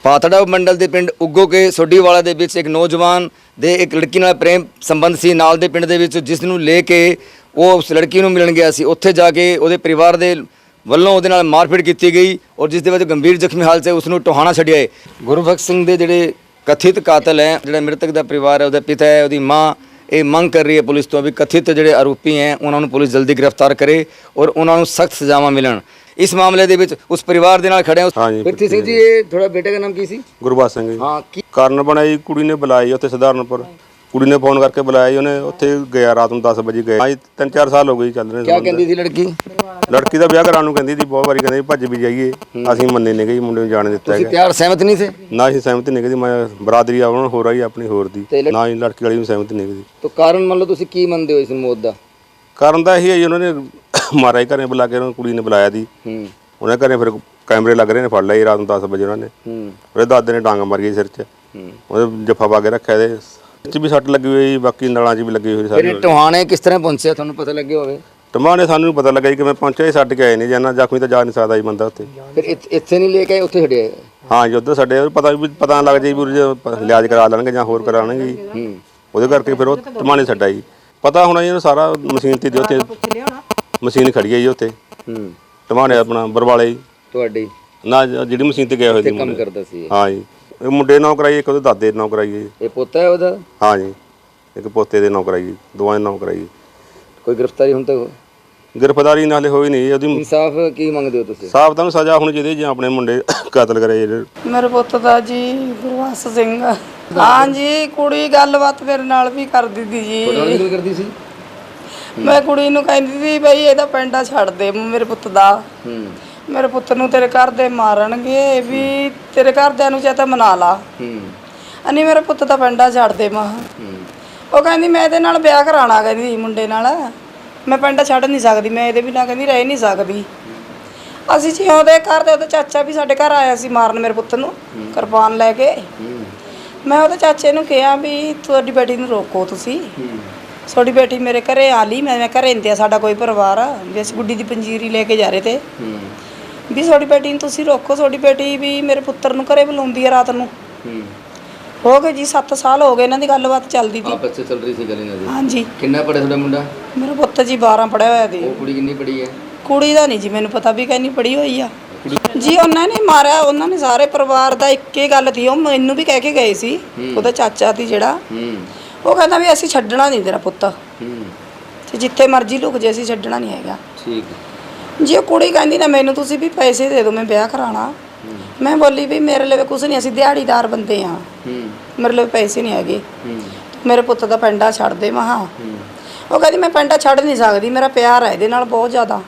ਪਾਤੜਾ ਮੰਡਲ ਦੇ ਪਿੰਡ ਉੱਗੋ ਕੇ ਸੋਢੀਵਾਲਾ ਦੇ ਵਿੱਚ ਇੱਕ ਨੌਜਵਾਨ ਦੇ ਇੱਕ ਲੜਕੀ ਨਾਲ ਪ੍ਰੇਮ ਸੰਬੰਧ ਸੀ ਨਾਲ ਦੇ ਪਿੰਡ ਦੇ ਵਿੱਚ, ਜਿਸ ਨੂੰ ਲੈ ਕੇ ਉਹ ਉਸ ਲੜਕੀ ਨੂੰ ਮਿਲਣ ਗਿਆ ਸੀ। ਉੱਥੇ ਜਾ ਕੇ ਉਹਦੇ ਪਰਿਵਾਰ ਦੇ ਵੱਲੋਂ ਉਹਦੇ ਨਾਲ ਮਾਰਪੀਟ ਕੀਤੀ ਗਈ ਔਰ ਜਿਸ ਦੇ ਵਿੱਚ ਗੰਭੀਰ ਜ਼ਖਮੀ ਹਾਲਤ 'ਚ ਉਸ ਨੂੰ ਟੋਹਾਣਾ ਛੱਡਿਆ ਹੈ। ਗੁਰਬਖਸ਼ ਸਿੰਘ ਦੇ ਜਿਹੜੇ ਕਥਿਤ ਕਾਤਲ ਹੈ, ਜਿਹੜਾ ਮ੍ਰਿਤਕ ਦਾ ਪਰਿਵਾਰ ਹੈ, ਉਹਦਾ ਪਿਤਾ ਹੈ, ਉਹਦੀ ਮਾਂ ਇਹ ਮੰਗ ਕਰ ਰਹੀ ਹੈ ਪੁਲਿਸ ਤੋਂ ਵੀ ਕਥਿਤ ਜਿਹੜੇ ਆਰੋਪੀ ਹੈ ਉਹਨਾਂ ਨੂੰ ਪੁਲਿਸ ਜਲਦੀ ਗ੍ਰਿਫਤਾਰ ਕਰੇ ਔਰ ਉਹਨਾਂ ਨੂੰ ਸਖਤ ਸਜ਼ਾਵਾਂ ਮਿਲਣ। ਇਸ ਮਾਮਲੇ ਦੇ ਵਿੱਚ ਉਸ ਪਰਿਵਾਰ ਦੇ ਨਾਲ ਖੜੇ ਹਾਂ। ਪ੍ਰਿਥੀ ਸਿੰਘ ਜੀ, ਇਹ ਥੋੜਾ ਬੇਟੇ ਦਾ ਨਾਮ ਕੀ ਸੀ? ਗੁਰਬਖਸ਼ ਸਿੰਘ ਜੀ। ਹਾਂ, ਕੀ ਕਾਰਨ ਬਣਾਈ, ਕੁੜੀ ਨੇ ਬੁਲਾਈ ਉੱਥੇ ਸਧਾਰਨਪੁਰ, ਕੁੜੀ ਨੇ ਫੋਨ ਕਰਕੇ ਬੁਲਾਇਆ ਜੀ, ਉਹਨੇ ਉੱਥੇ ਗਿਆ, ਰਾਤ ਨੂੰ 10 ਵਜੇ ਗਿਆ। 3-4 ਸਾਲ ਹੋ ਗਏ ਚੱਲ ਰਹੇ। ਕੀ ਕਹਿੰਦੀ ਸੀ ਲੜਕੀ? ਲੜਕੀ ਦਾ ਵਿਆਹ ਕਰਾਉਣ ਨੂੰ ਕਹਿੰਦੀ ਸੀ, ਬਹੁਤ ਵਾਰੀ ਕਹਿੰਦੀ ਭੱਜ ਵੀ ਜਾਈਏ, ਅਸੀਂ ਮੰਨੇ ਨਹੀਂ ਗਏ, ਮੁੰਡੇ ਨੂੰ ਜਾਣ ਦਿੱਤਾ ਤੁਸੀਂ ਪਿਆਰ ਸਹਿਮਤ ਨਹੀਂ ਥੇ? ਨਾ ਅਸੀਂ ਸਹਿਮਤ ਨਹੀਂ ਗਏ, ਮੈਂ ਬਰਾਦਰੀ ਆਉਣ ਹੋ ਰਹੀ ਆਪਣੀ ਹੋਰ ਦੀ, ਨਾ ਹੀ ਲੜਕੀ ਵਾਲੀ ਨੂੰ ਸਹਿਮਤ ਨਹੀਂ ਗਈ। ਤਾਂ ਕਾਰਨ ਮੰਨ ਲਓ ਤੁਸੀਂ ਕੀ ਮੰਨਦੇ ਹੋ ਇਸ ਮੌਤ ਦਾ? ਕਾਰਨ ਤਾਂ ਇਹੀ ਹੈ ਜੀ, ਉਹਨਾਂ ਨੇ ਮਾਰਿਆ ਹੀ, ਘਰੇ ਬੁਲਾ ਕੇ ਉਹਨਾਂ ਕੁੜੀ ਨੇ ਬੁਲਾਇਆ ਦੀ, ਉਹਨੇ ਘਰੇ ਫਿਰ ਕੈਮਰੇ ਲੱਗ ਰਹੇ ਨੇ, ਫੜ ਲਿਆ ਰਾਤ ਨੂੰ 10 ਵਜੇ ਉਹਨਾਂ ਨੇ। ਉਹਦੇ ਦਾਦੇ ਨੇ ਡਾਂਗ ਮਾਰੀ ਸਿਰ 'ਚ, ਉਹਦੇ ਜੱਫਾ ਪਾ ਕੇ ਰੱਖਿਆ, ਇਹਦੇ ਚ ਵੀ ਸੱਟ ਲੱਗੀ ਹੋਈ, ਬਾਕੀ ਨਲਾਂ 'ਚ ਵੀ ਲੱਗੀ ਹੋਈ ਸਾਰੀ। ਟੋਹਾਣੇ ਕਿਸ ਤਰ੍ਹਾਂ ਪਹੁੰਚਿਆ ਤੁਹਾਨੂੰ ਪਤਾ ਲੱਗਿਆ ਹੋਵੇ? ਟਮਾਣੇ ਸਾਨੂੰ ਪਤਾ ਲੱਗਾ ਜੀ, ਕਿਵੇਂ ਪਹੁੰਚਿਆ, ਛੱਡ ਕੇ ਆਏ ਨੇ, ਜਾਨਾ ਜ਼ਖਮੀ ਤਾਂ ਜਾ ਨਹੀਂ ਸਕਦਾ ਜੀ ਬੰਦਾ ਉੱਥੇ। ਫਿਰ ਇੱਥੇ ਨਹੀਂ ਲੈ ਕੇ ਆਏ, ਉੱਥੇ ਛੱਡਿਆ? ਹਾਂ ਜੀ, ਉੱਧਰ ਸਾਡੇ ਪਤਾ ਲੱਗ ਜਾਈ ਵੀ ਲਿਆਜ ਕਰਾ ਲੈਣਗੇ ਜਾਂ ਹੋਰ ਕਰਾਉਣਗੇ ਜੀ, ਉਹਦੇ ਕਰਕੇ ਫਿਰ ਉਹ ਟਮਾਣੇ ਛੱਡਾ ਜੀ। ਪਤਾ ਹੋਣਾ ਜੀ ਇਹਨੂੰ ਸਾਰਾ, ਮਸ਼ੀਨ ਤੇ ਉੱਥੇ ਮਸ਼ੀਨ ਖੜੀ ਹੈ ਜੀ ਉੱਥੇ ਟਮਾਣੇ ਆਪਣਾ ਬਰਵਾਲੇ ਜੀ ਤੁਹਾਡੀ ਨਾ, ਜਿਹੜੀ ਮਸ਼ੀਨ ਤੇ ਗਿਆ ਹੋਇਆ ਸੀ ਕੰਮ ਕਰਦਾ ਸੀ। ਹਾਂ ਜੀ, ਇਹ ਮੁੰਡੇ ਨਾਂ ਕਰਾਈ, ਇੱਕ ਉਹਦੇ ਦਾਦੇ ਨਾਂ ਕਰਾਈ ਜੀ। ਇਹ ਪੋਤਾ ਹੈ ਉਹਦਾ? ਹਾਂ ਜੀ, ਇੱਕ ਪੋਤੇ ਦੇ ਨਾਂ ਕਰਾਈ, ਦੋਵਾਂ ਦੇ ਨਾਂ ਕਰਾਈ। ਕੋਈ ਗ੍ਰਿਫਤਾਰੀ ਹੁਣ ਤੱਕ? ਗ੍ਰਿਫਤਾਰੀ ਨਾਲੇ ਹੋਈ ਨਹੀਂ ਉਹਦੀ। ਇਨਸਾਫ ਕੀ ਮੰਗਦੇ ਹੋ ਤੁਸੀਂ? ਸਾਫ ਤਾਂ ਸਜ਼ਾ ਹੋਣੀ ਚਾਹੀਦੀ ਜਾਂ ਆਪਣੇ ਮੁੰਡੇ ਕਤਲ ਕਰੇ ਜਿਹੜੇ। ਮੇਰੇ ਪੁੱਤ ਦਾ ਜੀ ਗੁਰਬਖਸ਼ ਸਿੰਘ। ਹਾਂ ਜੀ, ਕੁੜੀ ਗੱਲਬਾਤ ਮੇਰੇ ਨਾਲ ਵੀ ਕਰਦੀ ਸੀ ਜੀ। ਗੱਲ ਕਰਦੀ ਸੀ? ਮੈਂ ਕੁੜੀ ਨੂੰ ਕਹਿੰਦੀ ਸੀ ਬਈ ਇਹਦਾ ਪਿੰਡਾ ਛੱਡ ਦੇ ਮੇਰੇ ਪੁੱਤ ਦਾ, ਮੇਰੇ ਪੁੱਤ ਨੂੰ ਤੇਰੇ ਘਰ ਦੇ ਮਾਰਨਗੇ, ਵੀ ਤੇਰੇ ਘਰਦਿਆਂ ਨੂੰ ਚਾਹਤਾ ਮਨਾ ਲਾ, ਅਨੀ ਮੇਰੇ ਪੁੱਤ ਦਾ ਪਿੰਡਾ ਛੱਡ ਦੇ। ਮਾਂ ਉਹ ਕਹਿੰਦੀ ਮੈਂ ਇਹਦੇ ਨਾਲ ਵਿਆਹ ਕਰਾਉਣਾ, ਕਹਿੰਦੀ ਮੁੰਡੇ ਨਾਲ, ਮੈਂ ਪਿੰਡਾ ਛੱਡ ਨਹੀਂ ਸਕਦੀ, ਮੈਂ ਇਹਦੇ ਬਿਨਾਂ ਕਹਿੰਦੀ ਰਹਿ ਨਹੀਂ ਸਕਦੀ। ਅਸੀਂ ਜੀ ਉਹਦੇ ਘਰ ਦੇ, ਉਹਦਾ ਚਾਚਾ ਵੀ ਸਾਡੇ ਘਰ ਆਇਆ ਸੀ ਮਾਰਨ ਮੇਰੇ ਪੁੱਤ ਨੂੰ ਕਿਰਪਾਨ ਲੈ ਕੇ। ਮੈਂ ਉਹਦੇ ਚਾਚੇ ਨੂੰ ਕਿਹਾ ਵੀ ਤੁਹਾਡੀ ਬੇਟੀ ਨੂੰ ਰੋਕੋ ਤੁਸੀਂ, ਤੁਹਾਡੀ ਬੇਟੀ ਮੇਰੇ ਘਰੇ ਆ ਲਈ, ਮੈਂ ਘਰੇ ਇੰਦਿਆ ਸਾਡਾ ਕੋਈ ਪਰਿਵਾਰ ਆ ਵੀ, ਅਸੀਂ ਗੁੱਡੀ ਦੀ ਪੰਜੀਰੀ ਲੈ ਕੇ ਜਾ ਰਹੇ ਤੇ ਵੀ ਤੁਹਾਡੀ ਬੇਟੀ ਨੂੰ ਤੁਸੀਂ ਰੋਕੋ, ਤੁਹਾਡੀ ਬੇਟੀ ਵੀ ਮੇਰੇ ਪੁੱਤਰ ਨੂੰ ਘਰੇ ਬੁਲਾਉਂਦੀ ਹੈ ਰਾਤ ਨੂੰ। ਹੋ ਗਏ ਜੀ 7 ਸਾਲ ਹੋ ਗਏ ਇਹਨਾਂ ਦੀ ਗੱਲਬਾਤ ਚੱਲਦੀ ਸੀ, ਆਪਸ ਵਿੱਚ ਚੱਲ ਰਹੀ ਸੀ ਗੱਲ ਇਹਨਾਂ ਦੀ। ਹਾਂਜੀ। ਕਿੰਨਾ ਪੜਿਆ ਤੁਹਾਡਾ ਮੁੰਡਾ? ਮੇਰਾ ਪੁੱਤ ਜੀ 12 ਪੜਿਆ ਹੋਇਆ ਸੀ। ਉਹ ਕੁੜੀ ਕਿੰਨੀ ਪੜੀ ਹੈ? ਕੁੜੀ ਦਾ ਨਹੀਂ ਜੀ ਮੈਨੂੰ ਪਤਾ ਵੀ ਕਿੰਨੀ ਪੜੀ ਹੋਈ ਆ ਜੀ। ਉਹਨਾਂ ਨੇ ਮਾਰਿਆ, ਉਹਨਾਂ ਨੇ ਸਾਰੇ ਪਰਿਵਾਰ ਦਾ ਇੱਕ ਹੀ ਗੱਲ ਸੀ, ਉਹ ਮੈਨੂੰ ਵੀ ਕਹਿ ਕੇ ਗਏ ਸੀ, ਉਹਦਾ ਚਾਚਾ ਸੀ ਜਿਹੜਾ, ਉਹ ਕਹਿੰਦਾ ਵੀ ਅਸੀਂ ਛੱਡਣਾ ਨਹੀਂ ਤੇਰਾ ਪੁੱਤ, ਤੇ ਜਿੱਥੇ ਮਰਜ਼ੀ ਲੁਕ ਜੇ, ਅਸੀਂ ਛੱਡਣਾ ਨਹੀਂ ਹੈਗਾ। ਠੀਕ ਜੀ ਉਹ ਕੁੜੀ ਕਹਿੰਦੀ ਨਾ ਮੈਨੂੰ ਤੁਸੀਂ ਵੀ ਪੈਸੇ ਦੇ ਦਿਓ, ਮੈਂ ਵਿਆਹ ਕਰਾਉਣਾ। ਮੈਂ ਬੋਲੀ ਵੀ ਮੇਰੇ ਲਈ ਕੁਝ ਨਹੀਂ, ਅਸੀਂ ਦਿਹਾੜੀਦਾਰ ਬੰਦੇ ਆ, ਮੇਰੇ ਲਈ ਪੈਸੇ ਨਹੀਂ ਹੈਗੇ, ਮੇਰੇ ਪੁੱਤ ਦਾ ਪਿੰਡਾ ਛੱਡ ਦੇ। ਮਹਾ ਉਹ ਕਹਿੰਦੀ ਮੈਂ ਪਿੰਡਾ ਛੱਡ ਨਹੀਂ ਸਕਦੀ, ਮੇਰਾ ਪਿਆਰ ਹੈ ਇਹਦੇ ਨਾਲ ਬਹੁਤ ਜ਼ਿਆਦਾ,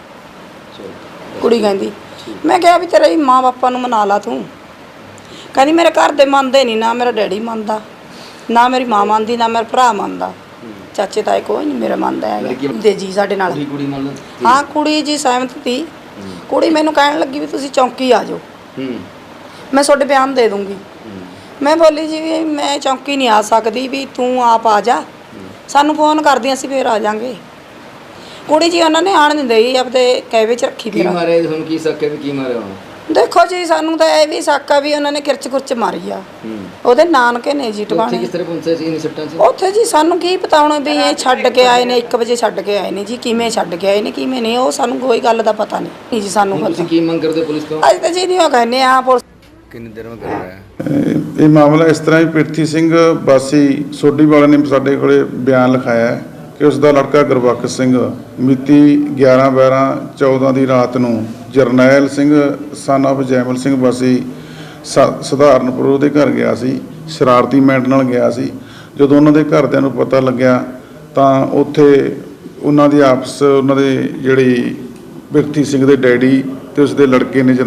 ਕੁੜੀ ਕਹਿੰਦੀ। ਮੈਂ ਕਿਹਾ ਵੀ ਤੇਰੇ ਮਾਂ ਬਾਪਾ ਨੂੰ ਮਨਾ ਲਾ ਤੂੰ। ਕਹਿੰਦੀ ਮੇਰੇ ਘਰ ਦੇ ਮੰਨਦੇ ਨਹੀਂ, ਨਾ ਮੇਰਾ ਡੈਡੀ ਮੰਨਦਾ, ਨਾ ਮੇਰੀ ਮਾਂ ਮੰਨਦੀ, ਨਾ ਮੇਰਾ ਭਰਾ ਮੰਨਦਾ, ਚਾਚੇ ਤਾਏ ਕੋਈ ਨਹੀਂ ਮੇਰਾ ਮੰਨਦਾ ਹੈਗਾ ਦੇ ਜੀ ਸਾਡੇ ਨਾਲ। ਹਾਂ ਕੁੜੀ ਜੀ ਸਹਿਮਤ ਸੀ। ਕੁੜੀ ਮੈਨੂੰ ਕਹਿਣ ਲੱਗੀ ਵੀ ਤੁਸੀਂ ਚੌਂਕੀ ਆ ਜਾਓ, ਮੈਂ ਤੁਹਾਡੇ ਬਿਆਨ ਦੇ ਦੂੰਗੀ। ਮੈਂ ਬੋਲੀ ਜੀ ਵੀ ਮੈਂ ਚੌਂਕੀ ਨਹੀਂ ਆ ਸਕਦੀ, ਵੀ ਤੂੰ ਆਪ ਆ ਜਾ, ਸਾਨੂੰ ਫੋਨ ਕਰਦੀ ਅਸੀਂ ਫਿਰ ਆ ਜਾਾਂਗੇ। ਕੁੜੀ ਜੀ ਉਹਨਾਂ ਨੇ ਆਣ ਨਹੀਂ ਦੇਈ, ਆਪਦੇ ਕਹਿਵੇ 'ਚ ਰੱਖੀ। ਕੀ ਮਾਰਿਆ ਤੁਹਾਨੂੰ? ਕੀ ਸੱਕੇ ਵੀ ਕੀ ਮਾਰਿਆ ਹੁਣ? ਦੇਖੋ ਜੀ ਸਾਨੂੰ ਤਾਂ ਇਹ ਵੀ ਸ਼ੱਕ ਆ ਵੀ ਉਹਨਾਂ ਨੇ ਕਿਰਚ ਕੁਰਚ ਮਾਰੀ ਆ, ਉਹਦੇ ਨਾਨਕੇ ਨੇ ਜੀ ਟਿਕਾਣੇ। ਕਿਸ ਤਰ੍ਹਾਂ ਪਹੁੰਚੇ ਸੀ ਇਹਨਾਂ ਸੱਟਾਂ 'ਚ? ਉੱਥੇ ਜੀ ਸਾਨੂੰ ਕੀ ਪਤਾ ਹੁਣ ਵੀ ਇਹ ਛੱਡ ਕੇ ਆਏ ਨੇ, 1 ਵਜੇ ਛੱਡ ਕੇ ਆਏ ਨੇ ਜੀ, ਕਿਵੇਂ ਛੱਡ ਕੇ ਆਏ ਨੇ ਕਿਵੇਂ ਨਹੀਂ, ਉਹ ਸਾਨੂੰ ਕੋਈ ਗੱਲ ਦਾ ਪਤਾ ਨਹੀਂ ਜੀ ਸਾਨੂੰ। ਤੁਸੀਂ ਕੀ ਮੰਗ ਕਰਦੇ ਪੁਲਿਸ ਤੋਂ? ਅੱਜ ਤਾਂ ਜੀ ਨਹੀਂ ਉਹ ਕਹਿੰਦੇ ਆ ਪੁਲਿਸ ਕਿੰਨੀ ਦੇਰ ਵਿੱਚ ਕਰ ਰਿਹਾ ਹੈ ਇਹ ਮਾਮਲਾ ਇਸ ਤਰ੍ਹਾਂ ਹੀ। ਪ੍ਰਿਥੀ ਸਿੰਘ ਵਾਸੀ ਸੋਢੀਵਾਲਾ ਨੇ ਸਾਡੇ ਕੋਲੇ ਬਿਆਨ ਲਿਖਾਇਆ ਕਿ ਉਸ ਦਾ ਲੜਕਾ ਗੁਰਬਖਸ਼ ਸਿੰਘ ਮਿਤੀ 11/12/14 ਦੀ ਰਾਤ ਨੂੰ ਜਰਨੈਲ ਸਿੰਘ ਸਨ ਆਫ ਜੈਮਲ ਸਿੰਘ ਵਾਸੀ ਸਧਾਰਨਪੁਰ ਉਹਦੇ ਘਰ ਗਿਆ ਸੀ, ਸ਼ਰਾਰਤੀ ਮੈਂਟ ਨਾਲ ਗਿਆ ਸੀ। ਜਦੋਂ ਉਹਨਾਂ ਦੇ ਘਰਦਿਆਂ ਨੂੰ ਪਤਾ ਲੱਗਿਆ ਤਾਂ ਉੱਥੇ ਉਹਨਾਂ ਦੀ ਆਪਸ, ਉਹਨਾਂ ਦੇ ਜਿਹੜੀ ਪ੍ਰਿਥੀ ਸਿੰਘ ਦੇ ਡੈਡੀ ਤੇ ਉਸਦੇ ਲੜਕੇ ਨੇ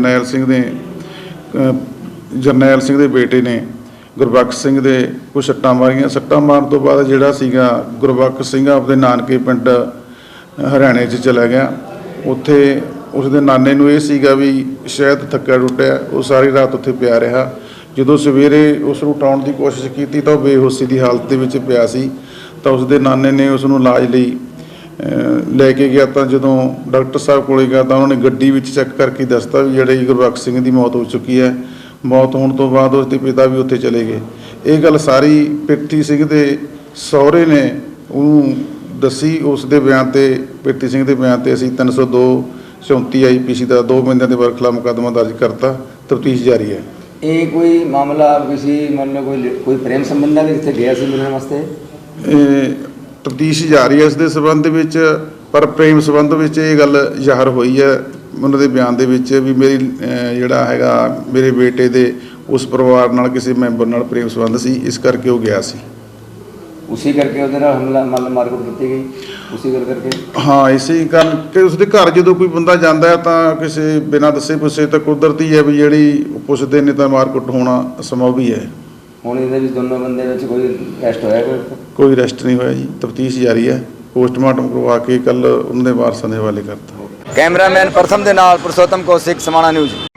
ਜਰਨੈਲ ਸਿੰਘ ਦੇ ਬੇਟੇ ਨੇ ਗੁਰਬਖਸ਼ ਸਿੰਘ ਦੇ ਕੁਛ ਸੱਟਾਂ ਮਾਰੀਆਂ। ਸੱਟਾਂ ਮਾਰਨ ਤੋਂ ਬਾਅਦ ਜਿਹੜਾ ਸੀਗਾ ਗੁਰਬਖਸ਼ ਸਿੰਘ ਆਪਦੇ ਨਾਨਕੇ ਪਿੰਡ ਹਰਿਆਣੇ 'ਚ ਚਲਾ ਗਿਆ। ਉੱਥੇ ਉਸਦੇ ਨਾਨੇ ਨੂੰ ਇਹ ਸੀਗਾ ਵੀ ਸ਼ਾਇਦ ਥੱਕਿਆ ਟੁੱਟਿਆ, ਉਹ ਸਾਰੀ ਰਾਤ ਉੱਥੇ ਪਿਆ ਰਿਹਾ। ਜਦੋਂ ਸਵੇਰੇ ਉਸ ਨੂੰ ਉਠਾਉਣ ਦੀ ਕੋਸ਼ਿਸ਼ ਕੀਤੀ ਤਾਂ ਉਹ ਬੇਹੋਸ਼ੀ ਦੀ ਹਾਲਤ ਦੇ ਵਿੱਚ ਪਿਆ ਸੀ। ਤਾਂ ਉਸਦੇ ਨਾਨੇ ਨੇ ਉਸ ਨੂੰ ਇਲਾਜ ਲਈ ਲੈ ਕੇ ਗਿਆ। ਤਾਂ ਜਦੋਂ ਡਾਕਟਰ ਸਾਹਿਬ ਕੋਲੇ ਗਿਆ ਤਾਂ ਉਹਨਾਂ ਨੇ ਗੱਡੀ ਵਿੱਚ ਚੈੱਕ ਕਰਕੇ ਦੱਸਤਾ ਵੀ ਜਿਹੜੇ ਗੁਰਬਖਸ਼ ਸਿੰਘ ਦੀ ਮੌਤ ਹੋ ਚੁੱਕੀ ਹੈ। ਮੌਤ ਹੋਣ ਤੋਂ ਬਾਅਦ ਉਸ ਦੇ ਪਿਤਾ ਵੀ ਉੱਥੇ ਚਲੇ ਗਏ। ਇਹ ਗੱਲ ਸਾਰੀ ਪ੍ਰਿਥੀ ਸਿੰਘ ਦੇ ਸਹੁਰੇ ਨੇ ਉਹਨੂੰ ਦੱਸੀ। ਉਸ ਦੇ ਬਿਆਨ ਤੇ, ਪ੍ਰਿਥੀ ਸਿੰਘ ਦੇ ਬਿਆਨ ਤੇ ਅਸੀਂ 302 34 IPC ਦਾ 2 ਬੰਦਿਆਂ ਦੇ ਖਿਲਾਫ ਮੁਕੱਦਮਾ ਦਰਜ ਕਰਤਾ। ਤਫਤੀਸ਼ ਜਾਰੀ ਹੈ। ਇਹ ਕੋਈ ਮਾਮਲਾ ਕਿਸੇ ਮੰਨ ਲਓ ਕੋਈ ਪ੍ਰੇਮ ਸੰਬੰਧ ਨਾਲ ਜਿੱਥੇ ਗਿਆ ਸੀ ਮਿਲਣ ਵਾਸਤੇ? ਤਫਤੀਸ਼ ਜਾਰੀ ਹੈ ਇਸ ਦੇ ਸਬੰਧ ਵਿੱਚ, ਪਰ ਪ੍ਰੇਮ ਸੰਬੰਧ ਵਿੱਚ ਇਹ ਗੱਲ ਜ਼ਾਹਰ ਹੋਈ ਹੈ ਉਹਨਾਂ ਦੇ ਬਿਆਨ ਦੇ ਵਿੱਚ ਵੀ ਮੇਰੀ ਜਿਹੜਾ ਹੈਗਾ ਮੇਰੇ ਬੇਟੇ ਦੇ ਉਸ ਪਰਿਵਾਰ ਨਾਲ ਕਿਸੇ ਮੈਂਬਰ ਨਾਲ ਪ੍ਰੇਮ ਸੰਬੰਧ ਸੀ, ਇਸ ਕਰਕੇ ਉਹ ਗਿਆ ਸੀ। ਉਸੇ ਕਰਕੇ ਉਹਦੇ ਨਾਲ ਹਮਲਾ ਮਾਰਕੁੱਟ ਕੀਤੀ ਗਈ, ਉਸੇ ਗੱਲ ਕਰਕੇ? ਹਾਂ, ਇਸੇ ਕਾਰਨ ਕਿ ਉਸਦੇ ਘਰ ਜਦੋਂ ਕੋਈ ਬੰਦਾ ਜਾਂਦਾ ਹੈ ਤਾਂ ਕਿਸੇ ਬਿਨਾਂ ਦੱਸੇ ਪੁੱਛੇ ਤਾਂ ਕੁਦਰਤੀ ਹੈ ਵੀ ਜਿਹੜੀ ਪੁੱਛਦੇ ਨੇ ਤਾਂ ਮਾਰਕੁੱਟ ਹੋਣਾ ਸੰਭਵ ਹੀ ਹੈ। ਹੁਣ ਇਹਦੇ ਵਿੱਚ ਦੋਨੋਂ ਬੰਦੇ ਵਿੱਚ ਕੋਈ ਅਰੈਸਟ ਹੋਇਆ? ਕੋਈ ਅਰੈਸਟ ਨਹੀਂ ਹੋਇਆ ਜੀ। ਤਫਤੀਸ਼ ਜਾਰੀ ਹੈ। ਪੋਸਟਮਾਰਟਮ ਕਰਵਾ ਕੇ ਕੱਲ ਉਹਨਾਂ ਦੇ ਵਾਰਸਾਂ ਦੇ ਹਵਾਲੇ ਕਰਤਾ। ਕੈਮਰਾਮੈਨ ਪ੍ਰਥਮ ਦੇ ਨਾਲ ਪੁਰਸ਼ੋਤਮ ਕੌਸ਼ਿਕ, ਸਮਾਣਾ ਨਿਊਜ਼।